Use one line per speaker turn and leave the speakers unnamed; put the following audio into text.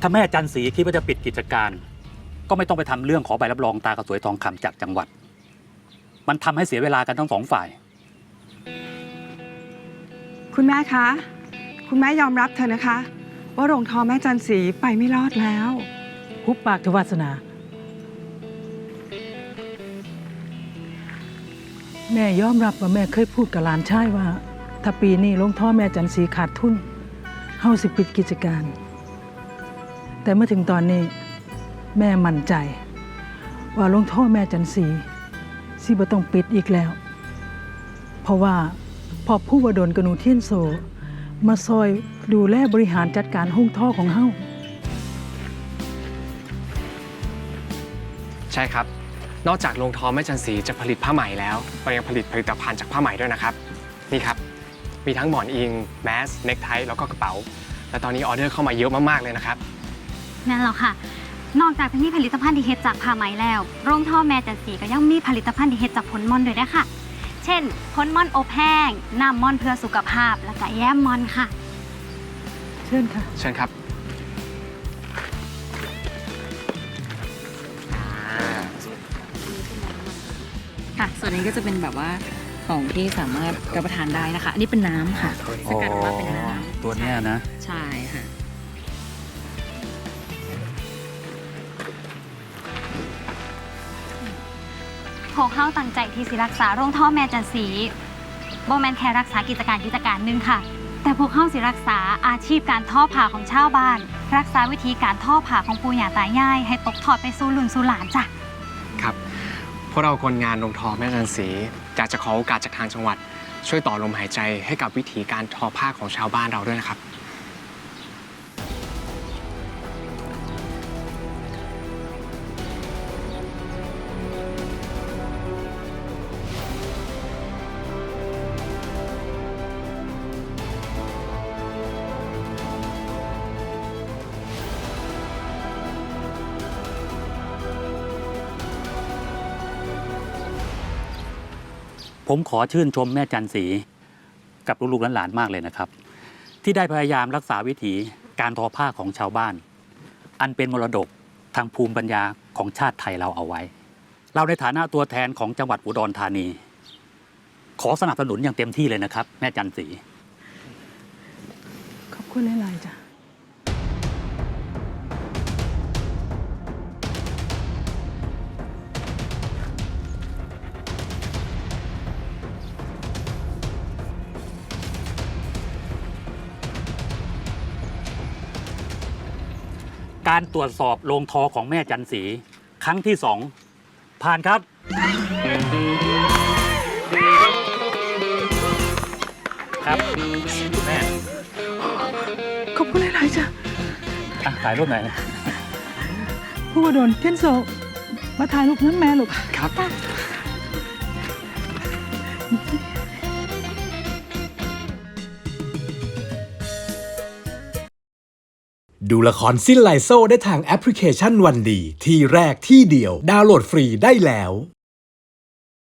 ถ้าแม่จันสีคิดว่าจะปิดกิจการก็ไม่ต้องไปทำเรื่องขอใบรับรองตากระสวยทองคำจากจังหวัดมันทำให้เสียเวลากันทั้งสองฝ่าย
คุณแม่คะคุณแม่ยอมรับเถอะนะคะว่าโรงทอแม่จันสีไปไม่รอดแล้ว
หุบปากเถอะวาสนาแม่ยอมรับว่าแม่เคยพูดกับหลานชายว่าถ้าปีนี้โรงทอแม่จันสีขาดทุนเฮาสิปิดกิจการแต่เมื่อถึงตอนนี้แม่มั่นใจว่าโรงทอแม่จันสีสิบ่ต้องปิดอีกแล้วเพราะว่าพอผู้วดลกนูเทียนโซมาซอยดูแลบริหารจัดการโรงทอของเฮา
ใช่ครับนอกจากโรงทอแม่จันสีจะผลิตผ้าไหมแล้วเรายังผลิตผลิตภัณฑ์จากผ้าไหมด้วยนะครับนี่ครับมีทั้งหมอนอิงแมสเน็กไทแล้วก็กระเป๋าและตอนนี้ออเดอร์เข้ามาเยอะมากๆเลยนะครับ
นั่นหรอค่ะนอกจากจะมีผลิตภัณฑ์ที่เฮ็ดจากผ้าไหมแล้วโรงทอแม่จันสีก็ยังมีผลิตภัณฑ์ที่เฮ็ดจากผลม่อนด้วยนะคะเช่นผลม่อนอบแห้งน้ำม่อนเพื่อสุขภาพและก็แย้มม่อนค่ะ
เชิญค่ะ
เชิญครับ
ค่ะส่วนนี้ก็จะเป็นแบบว่าของที่สามารถรับประทานได้นะคะอันนี้เป็นน้ำค่ะสกัดออกมาเป็นน้ำ
ตัวเนี้ยนะ
ใช่ค่ะ
พวกเขาตั้งใจที่สิรักษาโรงทอแม่จันสีบ่แม่นแค่รักษากิจการหนึ่งค่ะแต่พวกเขาสิรักษาอาชีพการทอผ้าของชาวบ้านรักษาวิธีการทอผ้าของปู่ย่าตายายให้ตกทอดไปสู่รุ่นสู่หลานจ้ะ
ครับพวกเราคนงานโรงทอแม่จันสีอยากจะขอโอกาสจากทางจังหวัดช่วยต่อลมหายใจให้กับวิธีการทอผ้าของชาวบ้านเราด้วยนะครับ
ผมขอชื่นชมแม่จันสีกับลูกๆหลานๆมากเลยนะครับที่ได้พยายามรักษาวิถีการทอผ้าของชาวบ้านอันเป็นมรดกทางภูมิปัญญาของชาติไทยเราเอาไว้เราในฐานะตัวแทนของจังหวัดอุดรธานีขอสนับสนุนอย่างเต็มที่เลยนะครับแม่จันสี
ขอบคุณหลายๆจ้ะ
การตรวจสอบโรงทอของแม่จันสีครั้งที่2ผ่านครับครับแม่
ขอบคุณหลายๆจ้ะ
ถ่ายรูปหน่อยนะ
ผู้วดลเทียนโซมาถ่ายรูปนั้นแม่ลูก
ครับ
ดูละครสิ้นไลโซได้ทางแอปพลิเคชันวันดีที่แรกที่เดียวดาวน์โหลดฟรีได้แล้ว